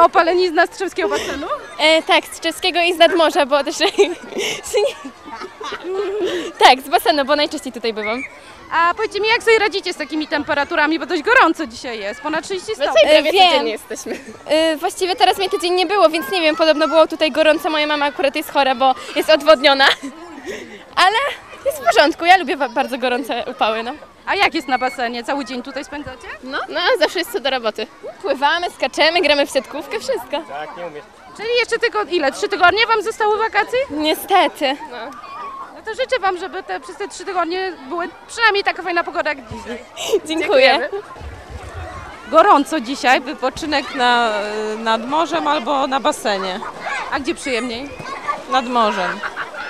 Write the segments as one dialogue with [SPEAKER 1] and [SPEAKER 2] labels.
[SPEAKER 1] opalenizna z Tczewskiego basenu?
[SPEAKER 2] Tak, z Tczewskiego i z nadmorza, bo też... Tak, z basenu, bo najczęściej tutaj bywam.
[SPEAKER 1] A powiedzcie mi, jak sobie radzicie z takimi temperaturami, bo dość gorąco dzisiaj jest, ponad 30 stopni.
[SPEAKER 2] prawie
[SPEAKER 3] Wiem.
[SPEAKER 2] codziennie jesteśmy. Właściwie teraz mnie tydzień nie było, więc nie wiem, podobno było tutaj gorąco. Moja mama akurat jest chora, bo jest odwodniona. Ale jest w porządku, ja lubię bardzo gorące upały, no.
[SPEAKER 1] A jak jest na basenie? Cały dzień tutaj spędzacie?
[SPEAKER 2] No, zawsze jest co do roboty. Pływamy, skaczemy, gramy w siatkówkę, wszystko.
[SPEAKER 1] Czyli jeszcze tylko ile? 3 tygodnie wam zostały wakacji?
[SPEAKER 2] Niestety.
[SPEAKER 1] No to życzę wam, żeby przez te 3 tygodnie były przynajmniej taka fajna pogoda jak dzisiaj.
[SPEAKER 2] Dziękuję.
[SPEAKER 1] Gorąco dzisiaj,
[SPEAKER 4] Wypoczynek nad morzem albo na basenie.
[SPEAKER 1] a gdzie przyjemniej?
[SPEAKER 4] Nad morzem.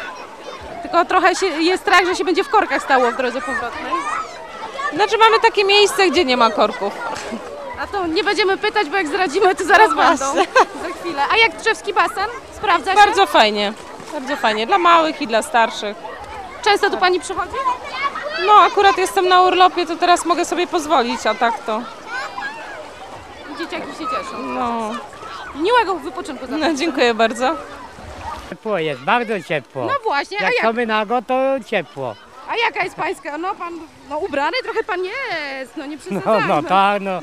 [SPEAKER 1] Tylko trochę jest strach, że się będzie w korkach stało w drodze powrotnej.
[SPEAKER 4] Znaczy mamy takie miejsce, gdzie nie ma korków.
[SPEAKER 1] A to nie będziemy pytać, bo jak zdradzimy, to zaraz
[SPEAKER 4] No
[SPEAKER 1] będą.
[SPEAKER 4] właśnie.
[SPEAKER 1] Za chwilę. A jak Tczewski basen? Sprawdza się?
[SPEAKER 4] Bardzo fajnie. Bardzo fajnie. Dla małych i dla starszych.
[SPEAKER 1] Często tu pani przychodzi?
[SPEAKER 4] No akurat jestem na urlopie, to teraz mogę sobie pozwolić, a tak to
[SPEAKER 1] Dzieciaki się cieszą.
[SPEAKER 4] no.
[SPEAKER 1] Miłego wypoczynku za
[SPEAKER 4] No dziękuję bardzo.
[SPEAKER 5] Ciepło jest, bardzo ciepło.
[SPEAKER 1] No właśnie,
[SPEAKER 5] Jak są nago, to ciepło.
[SPEAKER 1] a jaka jest pańska? No pan, ubrany trochę pan jest, no nie przesadzajmy.
[SPEAKER 5] No tak, no.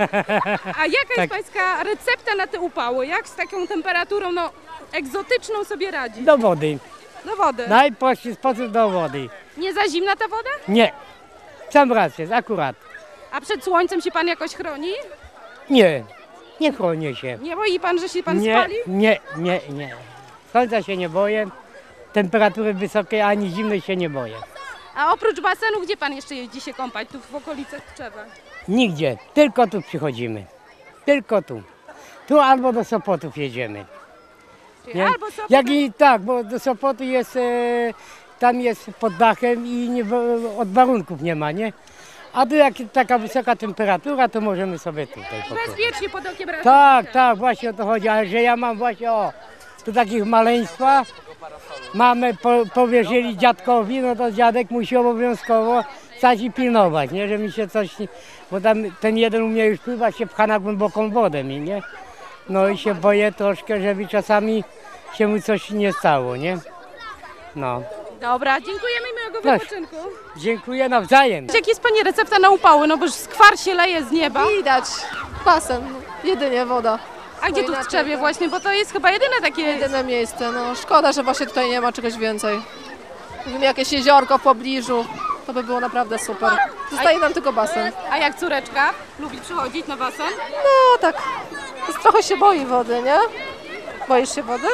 [SPEAKER 1] A jaka jest
[SPEAKER 5] tak.
[SPEAKER 1] pańska recepta na te upały? Jak z taką temperaturą, egzotyczną sobie radzi?
[SPEAKER 5] Do wody.
[SPEAKER 1] Do wody.
[SPEAKER 5] Najprostszy sposób do wody.
[SPEAKER 1] Nie za zimna ta woda?
[SPEAKER 5] Nie. Sam raz jest, akurat.
[SPEAKER 1] A przed słońcem się pan jakoś chroni?
[SPEAKER 5] Nie. Nie chronię się.
[SPEAKER 1] Nie boi pan, że się pan
[SPEAKER 5] Nie,
[SPEAKER 1] spali?
[SPEAKER 5] nie. Słońca się nie boję. Temperatury wysokiej ani zimnej się nie boję.
[SPEAKER 1] A oprócz basenu, gdzie pan jeszcze jeździ się kąpać? Tu w okolicach Tczewa.
[SPEAKER 5] Nigdzie. Tylko tu przychodzimy. Tylko tu. Tu albo do Sopotów jedziemy.
[SPEAKER 1] Czyli
[SPEAKER 5] Nie?
[SPEAKER 1] albo Sopot,
[SPEAKER 5] Jak i tak, bo do Sopotu jest, tam jest pod dachem i od warunków nie ma, nie? A tu jak taka wysoka temperatura, to możemy sobie tutaj popływać.
[SPEAKER 1] bezpiecznie pod okiem razu.
[SPEAKER 5] Tak, właśnie o to chodzi, ale że ja mam właśnie, tu takich maleństwa, mamy, powierzyli dziadkowi, no to dziadek musi obowiązkowo stać i pilnować, nie? Że mi się coś, bo tam ten jeden umie już pływać, się pcha na głęboką wodę mi, nie? No i się boję troszkę, żeby czasami się mu coś nie stało, nie? No.
[SPEAKER 1] Dobra, dziękujemy i miłego
[SPEAKER 5] Proszę.
[SPEAKER 1] wypoczynku.
[SPEAKER 5] Dziękuję nawzajem.
[SPEAKER 1] Jak jest pani recepta na upały? No bo już skwar się leje z nieba.
[SPEAKER 3] Widać, basen, jedynie woda.
[SPEAKER 1] A gdzie tu w
[SPEAKER 3] inaczej
[SPEAKER 1] Tczewie
[SPEAKER 3] to-
[SPEAKER 1] właśnie? Bo to jest chyba jedyne takie...
[SPEAKER 3] Jedyne miejsce, no szkoda, że właśnie tutaj nie ma czegoś więcej. Gdyby jakieś jeziorko w pobliżu, to by było naprawdę super. Zostaje nam tylko basen.
[SPEAKER 1] A jak córeczka? Lubi przychodzić na basen?
[SPEAKER 3] No tak, trochę się boi wody, nie? Boisz się wody?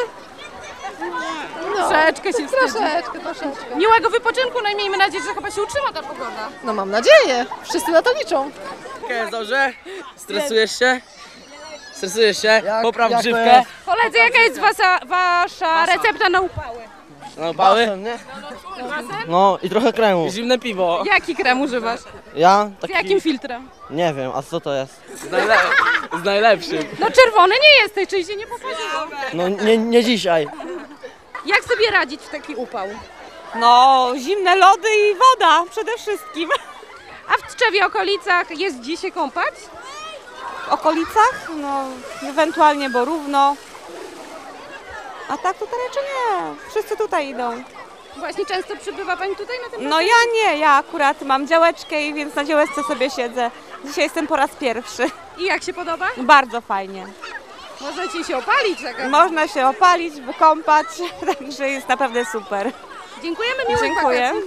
[SPEAKER 3] No,
[SPEAKER 1] Troszeczkę się wstydzi.
[SPEAKER 3] troszeczkę.
[SPEAKER 1] Miłego wypoczynku, no i miejmy nadzieję, że chyba się utrzyma ta pogoda.
[SPEAKER 3] No mam nadzieję, wszyscy na to liczą.
[SPEAKER 6] Jest dobrze? Stresujesz się? Stresujesz się? Popraw grzywkę.
[SPEAKER 1] Koledzy, jaka jest wasza recepta na upały?
[SPEAKER 6] No, pały?
[SPEAKER 1] Basen?
[SPEAKER 7] No i trochę kremu.
[SPEAKER 6] Zimne piwo.
[SPEAKER 1] Jaki krem używasz?
[SPEAKER 7] Ja?
[SPEAKER 1] Z
[SPEAKER 7] Taki,
[SPEAKER 1] jakim filtrem?
[SPEAKER 7] nie wiem, a co to jest?
[SPEAKER 6] Z najlepszym.
[SPEAKER 1] No czerwony nie jesteś, czyli się nie popatrzyło.
[SPEAKER 7] No nie dzisiaj.
[SPEAKER 1] Jak sobie radzić w taki upał?
[SPEAKER 4] No zimne lody i woda przede wszystkim.
[SPEAKER 1] A w Tczewie okolicach jest gdzie się kąpać?
[SPEAKER 4] W okolicach? No ewentualnie Borówno. A tak tutaj raczej nie. Wszyscy tutaj idą.
[SPEAKER 1] Właśnie często przybywa pani tutaj na tym
[SPEAKER 4] No ja nie, ja akurat mam działeczkę i więc na działeczce sobie siedzę. Dzisiaj jestem po raz pierwszy.
[SPEAKER 1] I jak się podoba?
[SPEAKER 4] Bardzo fajnie.
[SPEAKER 1] Możecie się opalić. Taka.
[SPEAKER 4] Można się opalić, wykąpać, także jest naprawdę super.
[SPEAKER 1] Dziękujemy, miłych
[SPEAKER 4] Dziękuję.
[SPEAKER 1] wakacji.